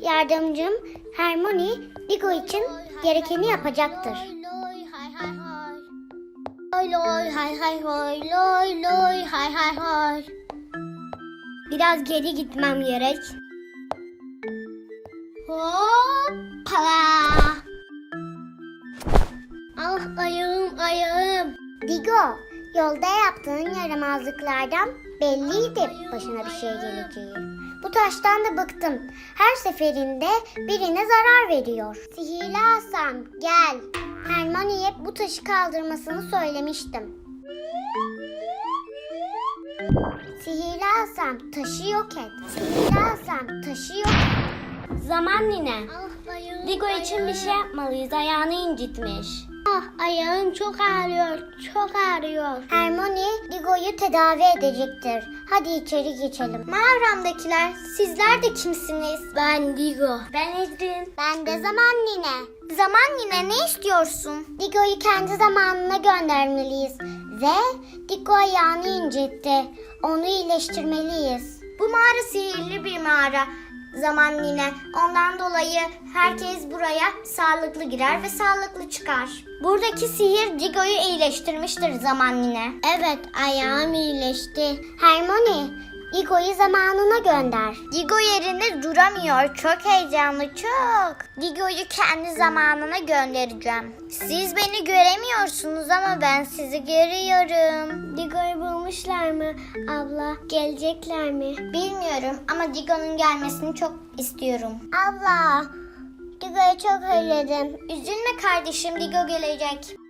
Yardımcım Hermione Digo için gerekeni yapacaktır. Loy loy hay hay hoy, loy loy hay hay hoy. Biraz geri gitmem gerek. Hoppala. Ah ayağım. Digo, yolda yaptığın yaramazlıklardan belliydi başına bir şey geleceği. Bu taştan da bıktım. Her seferinde birine zarar veriyor. Sihirli asam, gel. Hermione'ye bu taşı kaldırmasını söylemiştim. Sihirli asam, taşı yok et. Sihirli asam, taşı yok et. Zaman nine. Ah ayağım. Digo için bir şey yapmalıyız. Ayağını incitmiş. Ah ayağım çok ağrıyor. Hermione Digo'yu tedavi edecektir. Hadi içeri geçelim. Mağaramdakiler, sizler de kimsiniz? Ben Digo. Ben Edrin. Ben de zaman nine. Zaman yine ne istiyorsun? Digo'yu kendi zamanına göndermeliyiz. Ve Digo ayağını incitti. Onu iyileştirmeliyiz. Bu mağara sihirli bir mağara. Zaman yine. Ondan dolayı herkes buraya sağlıklı girer ve sağlıklı çıkar. Buradaki sihir Digo'yu iyileştirmiştir zaman yine. Evet, ayağım iyileşti. Hermione, Digo'yu zamanına gönder. Digo yerinde duramıyor. Çok heyecanlı, çok. Digo'yu kendi zamanına göndereceğim. Siz beni göremiyorsunuz ama ben sizi görüyorum. Digo'yu bulmuşlar mı? Abla, gelecekler mi? Bilmiyorum ama Digo'nun gelmesini çok istiyorum. Abla, Digo'yu çok özledim. Üzülme kardeşim, Digo gelecek.